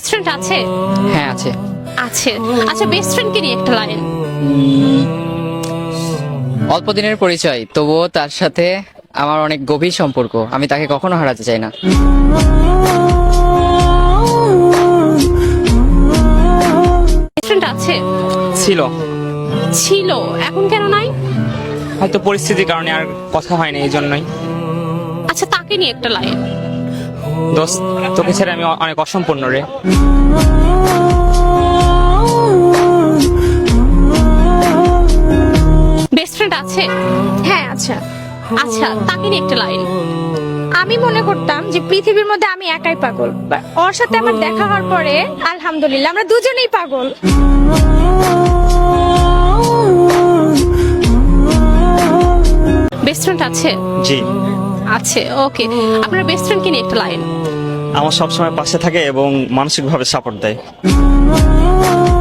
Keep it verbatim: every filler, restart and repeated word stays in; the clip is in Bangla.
ফ্রেন্ড আছে? হ্যাঁ আছে। আছে। আচ্ছা, বেস্ট ফ্রেন্ডকে নিয়ে একটা লাইন। অল্প দিনের পরিচয়, তবুও তার সাথে আমার অনেক গভীর সম্পর্ক, আমি তাকে কখনো হারাতে চাই না। বেস্ট ফ্রেন্ড আছে? ছিল, ছিল, এখন কেন নাই? হয়তো পরিস্থিতির কারণে আর কথা হয় না, এই জন্যই। আচ্ছা, তাকে নিয়ে একটা লাইন। দোস্ত, তোকে ছেড়ে আমি অনেক অসম্পূর্ণ রে। বেস্ট ফ্রেন্ড আছে? হ্যাঁ আচ্ছা, আচ্ছা, তাকে নিয়ে একটা লাইন। আমি মনে করতাম যে পৃথিবীর মধ্যে আমি একাই পাগল, But ওর সাথে আমার দেখা হওয়ার পরে আলহামদুলিল্লাহ আমরা দুজনেই পাগল। বেস্ট ফ্রেন্ড আছে? জি, আছে, ওকে। আপনার বেস্ট ফ্রেন্ডকে নিয়ে একটা লাইন। আমার সবসময় পাশে থাকে এবং মানসিকভাবে সাপোর্ট দেয়।